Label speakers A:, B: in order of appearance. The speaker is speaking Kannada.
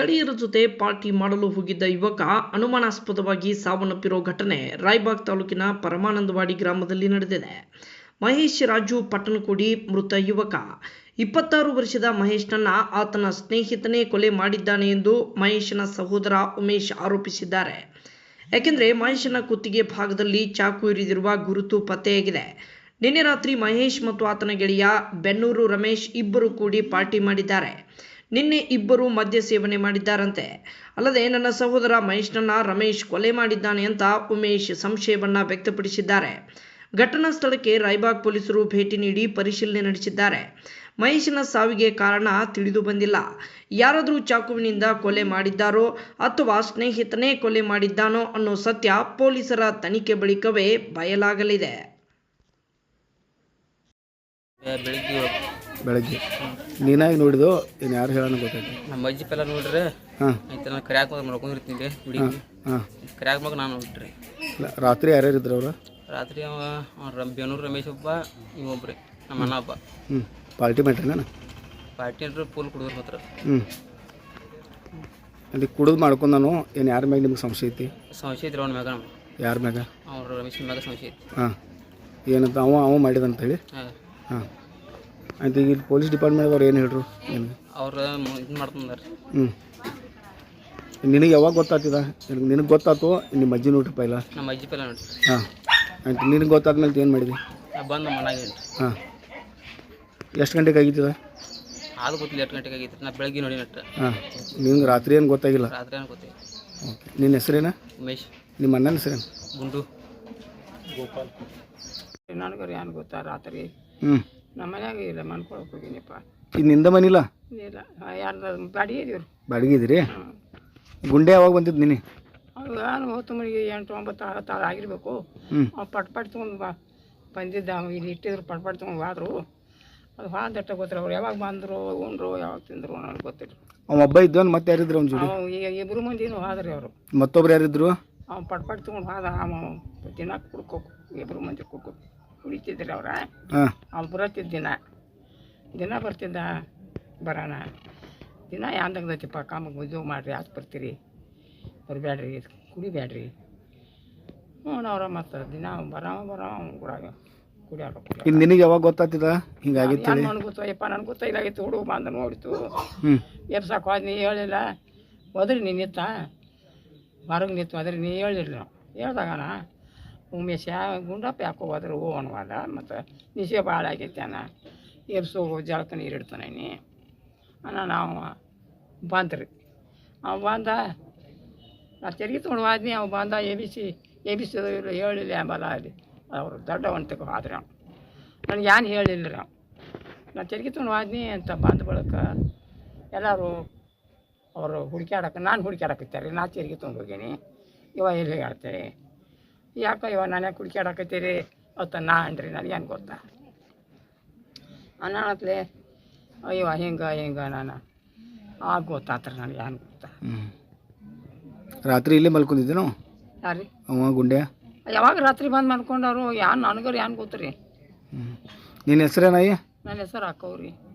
A: ಗೆಳೆಯರ ಜೊತೆ ಪಾರ್ಟಿ ಮಾಡಲು ಹೋಗಿದ್ದ ಯುವಕ ಅನುಮಾನಾಸ್ಪದವಾಗಿ ಸಾವನ್ನಪ್ಪಿರೋ ಘಟನೆ ರಾಯಬಾಗ್ ತಾಲೂಕಿನ ಪರಮಾನಂದವಾಡಿ ಗ್ರಾಮದಲ್ಲಿ ನಡೆದಿದೆ. ಮಹೇಶ್ ರಾಜು ಪಟ್ಟಣಕೋಡಿ ಮೃತ ಯುವಕ. 26 ವರ್ಷದ ಮಹೇಶ್ನನ್ನ ಆತನ ಸ್ನೇಹಿತನೇ ಕೊಲೆ ಮಾಡಿದ್ದಾನೆ ಎಂದು ಮಹೇಶನ ಸಹೋದರ ಉಮೇಶ್ ಆರೋಪಿಸಿದ್ದಾರೆ. ಯಾಕೆಂದರೆ ಮಹೇಶನ ಕುತ್ತಿಗೆ ಭಾಗದಲ್ಲಿ ಚಾಕು ಇರಿದಿರುವ ಗುರುತು ಪತ್ತೆಯಾಗಿದೆ. ನಿನ್ನೆ ರಾತ್ರಿ ಮಹೇಶ್ ಮತ್ತು ಆತನ ಗೆಳೆಯ ಬೆನ್ನೂರು ರಮೇಶ್ ಇಬ್ಬರು ಕೂಡಿ ಪಾರ್ಟಿ ಮಾಡಿದ್ದಾರೆ. ನಿನ್ನೆ ಇಬ್ಬರು ಮದ್ಯ ಸೇವನೆ ಮಾಡಿದ್ದಾರಂತೆ. ಅಲ್ಲದೆ ನನ್ನ ಸಹೋದರ ಮಹೇಶ್ನನ್ನ ರಮೇಶ್ ಕೊಲೆ ಮಾಡಿದ್ದಾನೆ ಅಂತ ಉಮೇಶ್ ಸಂಶಯವನ್ನ ವ್ಯಕ್ತಪಡಿಸಿದ್ದಾರೆ. ಘಟನಾ ಸ್ಥಳಕ್ಕೆ ರಾಯಬಾಗ್ ಪೊಲೀಸರು ಭೇಟಿ ನೀಡಿ ಪರಿಶೀಲನೆ ನಡೆಸಿದ್ದಾರೆ. ಮಹೇಶನ ಸಾವಿಗೆ ಕಾರಣ ತಿಳಿದು ಬಂದಿಲ್ಲ. ಯಾರಾದರೂ ಚಾಕುವಿನಿಂದ ಕೊಲೆ ಮಾಡಿದ್ದಾರೋ ಅಥವಾ ಸ್ನೇಹಿತನೇ ಕೊಲೆ ಮಾಡಿದ್ದಾನೋ ಅನ್ನೋ ಸತ್ಯ ಪೊಲೀಸರ ತನಿಖೆ ಬಳಿಕವೇ ಬಯಲಾಗಲಿದೆ.
B: ಬೆಳಗ್ಗೆ ನೀನಾಗಿ ನೋಡಿದ್ದು ಇನ್ನು ಯಾರು ಹೇಳೋಣ ಗೊತ್ತಾಯ್ತು.
C: ನಮ್ಮ ಅಜ್ಜಿ ಪೆಲ್ಲ ನೋಡ್ರಿ ಆಯ್ತು. ನಾನು ಕರ್ಯಾಕ ಮಲ್ಕೊಂಡಿರ್ತೀನಿ ಹುಡುಗಿ ಕರ್ಯಾಕ ಮಗ ನಾನು ನೋಡ್ರಿ.
B: ರಾತ್ರಿ ಯಾರ್ಯಾರು ಇದ್ರು ಅವರು?
C: ರಾತ್ರಿ ಬೆನ್ನೂರು ರಮೇಶ್ ಒಬ್ಬ ಇವೊಬ್ರಿ ನಮ್ಮ ಅಣ್ಣ ಒಬ್ಬ.
B: ಪಾರ್ಟಿ ಮಾಡ್ರಿ
C: ಪಾರ್ಟಿ ಅಂದ್ರೆ ಫುಲ್ ಕುಡಿದ್ರು ಮಾತ್ರ.
B: ಅಲ್ಲಿ ಕುಡಿದು ಮಾಡ್ಕೊಂಡು ನಾನು ಏನು ಯಾರ ಮ್ಯಾಗ ನಿಮ್ಗೆ ಸಂಶಯ ಐತಿ?
C: ಸಂಶಯ ಐತ್ರಿ ಅವ್ನ ಮ್ಯಾಗ.
B: ಯಾರ ಮ್ಯಾಗ?
C: ಅವ್ರ ರಮೇಶನ ಮ್ಯಾಗ ಸಂಶಯ ಐತಿ.
B: ಏನಂತ ಅವ ಮಾಡಿದಂತೇಳಿ? ಆಯ್ತು. ಈಗ ಪೊಲೀಸ್ ಡಿಪಾರ್ಟ್ಮೆಂಟ್ ಅವ್ರು ಏನು ಹೇಳ್ರು ನಿನಗೆ?
C: ಅವ್ರು ಇದು ಮಾಡ್ತಾರೆ.
B: ನಿನಗೆ ಯಾವಾಗ ಗೊತ್ತಾಗ್ತದ? ನಿನಗೆ ಗೊತ್ತಾಯ್ತು ನಿಮ್ಮ ಅಜ್ಜಿ ನೋಡ್ರಿ ಪೈಲ?
C: ನಮ್ಮ ಅಜ್ಜಿ ಪೈಲ ನೋಡ್ರಿ.
B: ಆಯ್ತು. ನಿನಗೆ ಗೊತ್ತಾದ್ಮೇಲೆ ಏನು ಮಾಡಿದ್ವಿ?
C: ಬಂದು ನಮ್ಮ ಮನೆಗೆ.
B: ಎಷ್ಟು ಗಂಟೆಗೆ ಆಗಿತ್ತದ?
C: ಅದು ಗೊತ್ತಿಲ್ಲ ಎಷ್ಟು ಗಂಟೆಗೆ ಆಗಿತ್ತು. ನಾ ಬೆಳಗ್ಗೆ ನೋಡಿ ನಟ್ಟ.
B: ನಿಮ್ಗೆ ರಾತ್ರಿ ಏನು ಗೊತ್ತಾಗಿಲ್ಲ?
C: ರಾತ್ರಿ ಏನು ಗೊತ್ತಿಲ್ಲ.
B: ಓಕೆ. ನಿನ್ನ ಹೆಸರೇನ?
C: ಉಮೇಶ್.
B: ನಿಮ್ಮ ಅಣ್ಣನ ಹೆಸರೇನು?
C: ಗುಂಡು
D: ಗೋಪಾಲ್. ನನಗರ ಏನು ಗೊತ್ತಾ ರಾತ್ರಿ ನಮ್ಮ ಮನ್ಯಾಗ ಇಲ್ಲ ಮನ್ಕೊಳಕ್ಕೆ ಹೋಗಿನಪ್ಪ.
B: ಈಗ ನಿಂದ ಮನಿಲ್ಲ?
D: ಇಲ್ಲ, ಯಾರ್ದು ಬಾಡಿಗೆ ಇದೀವ್ರಿ.
B: ಬಾಡಿಗೆ ಇದ್ದೀರಿ? ಗುಂಡೆ ಯಾವಾಗ ಬಂದಿದ್ದು ನೀನು?
D: ಅವಾಗ ನಾನು 8, 9 ಆಗಿರ್ಬೇಕು. ಅವ್ನು ಪಟ್ ತೊಗೊಂಡು ಬಂದಿದ್ದ. ಇಲ್ಲಿ ಇಟ್ಟಿದ್ರು ಪಟ್ ತೊಗೊಂಡು ಹೋದ್ರು. ಅದು ಹಾದಟ್ಟ ಗೊತ್ತಿಲ್ಲ. ಅವ್ರು ಯಾವಾಗ ಬಂದರು ಉಂಡ್ರು ಯಾವಾಗ ತಿಂದರು ನನಗೆ ಗೊತ್ತಿಲ್ಲ.
B: ಅವ ಒಬ್ಬ ಇದ್ದವನು ಮತ್ತೆ ಯಾರಿದ್ರು ಅವ್ನ ಜೋಡಿ?
D: ಈಗ ಇಬ್ಬರು ಮಂದಿನೂ ಹೋದ್ರಿ ಅವರು.
B: ಮತ್ತೊಬ್ರು ಯಾರಿದ್ರು?
D: ಅವ್ನು ಪಟ್ ತೊಗೊಂಡು ಹೋದ. ದಿನ ಕುಡ್ಕೋ ಇಬ್ಬರು ಮಂದಿ ಕುಡಿತಿದ್ರಿ ಅವ್ರ. ಅವ್ನು ಬರತ್ತಿದ್ದ ದಿನ ಬರ್ತಿದ್ದ. ಬರೋಣ ದಿನ ಯಾಂದಾಗದೈತಿಪ್ಪ ಕಾಮಗೆ ಉದ್ಯೋಗ ಮಾಡಿರಿ ಆಚೆ ಬರ್ತೀರಿ ಬರಬೇಡ್ರಿ ಕುಡಿಬೇಡ್ರಿ ಅವ್ರ ಮತ್ತು ದಿನ ಬರೋ ಕೂಡ ಕುಡಿಯೋರು.
B: ಇನ್ನು ನಿನಗೆ ಯಾವಾಗ ಗೊತ್ತಾಗ್ತಿದ ಹಿಂಗಾಗಿತ್ತು?
D: ನನಗೆ ಗೊತ್ತಾಯಪ್ಪ, ನನಗೆ ಗೊತ್ತಾಗಿತ್ತು. ಹುಡುಗ ಬಂದು ನೋಡಿತು. ಎಬ್ಸಾಕು ಹೋದ್ ನೀ ಹೇಳಿಲ್ಲ. ಹೋದ್ರಿ ನೀ ನಿತ್ತ ಹೊರಗೆ ನಿಂತು ಹೋದ್ರಿ ನೀ ಹೇಳಿಲ್ಲ. ಹೇಳ್ದಾಗಣ ಉಮೇಶ ಗುಂಡಪ್ಪ ಯಾಕೋ ಹೋದ್ರೆ ಅನ್ನುವಾದ. ಮತ್ತು ನಿಶೆ ಭಾಳ ಆಗೈತೆ ಅಣ್ಣ. ಎಬ್ಸೋಗು ಜಳಕ ನೀರು ಇಡ್ತಾನೆ ನೀ ಅಣ್ಣ. ನಾವು ಬಂದ್ರಿ. ಅವ ಬಂದ. ನಾ ತಿರುಗಿ ತೊಗೊಂಡು ಹೋದ್ನಿ. ಅವ ಬಂದ ಎಬಿಸಿದ ಇಲ್ಲ ಹೇಳಿಲ್ಲ ಅಂಬಲ್ಲ. ಅಲ್ಲಿ ಅವರು ದೊಡ್ಡವಂತಕ್ಕೆ ಹೋದ್ರೆ ಅವ್ನು ನನಗೆ ಏನು ಹೇಳಿಲ್ಲ ರೀ. ನಾನು ತಿರುಗಿ ತೊಗೊಂಡು ಹೋದ್ನಿ ಅಂತ ಬಂದ ಬಳಿಕ ಎಲ್ಲರೂ ಅವರು ಹುಡುಕ್ಯಾಡಕ್ಕೆ ನಾನು ಹುಡುಕ್ಯಾಡಕತ್ತಾರೆ. ನಾ ತಿರುಗಿ ತೊಗೊಂಡು ಹೋಗೀನಿ. ಇವ ಎಲ್ಲಿ ಹೇಳ್ತಾರೆ ಯಾಕೆ ಇವ ನಾನು ಯಾಕೆ ಹುಡುಕ್ಯಾಡಕತ್ತೀರಿ ಅಂತ ನಾ ಅಂದ್ರಿ. ನನಗೇನು ಗೊತ್ತಾ ಅನ್ನತ್ಲೆ ಅಯ್ಯೋ ಹಿಂಗೆ ನಾನು ಗೊತ್ತಾತ್ರಿ. ನನಗೆ ಏನು ಗೊತ್ತಾ?
B: ರಾತ್ರಿ ಇಲ್ಲೇ ಮಲ್ಕೊಂಡಿದ್ದೇನು?
D: ಯಾರು
B: ಅವ ಗುಂಡೆ?
D: ಯಾವಾಗ ರಾತ್ರಿ ಬಂದು ಮಲ್ಕೊಂಡವ್ರು. ಯಾರು ನನಗರು ಏನು ಗೊತ್ತು ರೀ.
B: ನಿನ್ನ ಹೆಸರೇನಾಯಿ?
D: ನನ್ನ ಹೆಸರು ಹಾಕವ್ರಿ.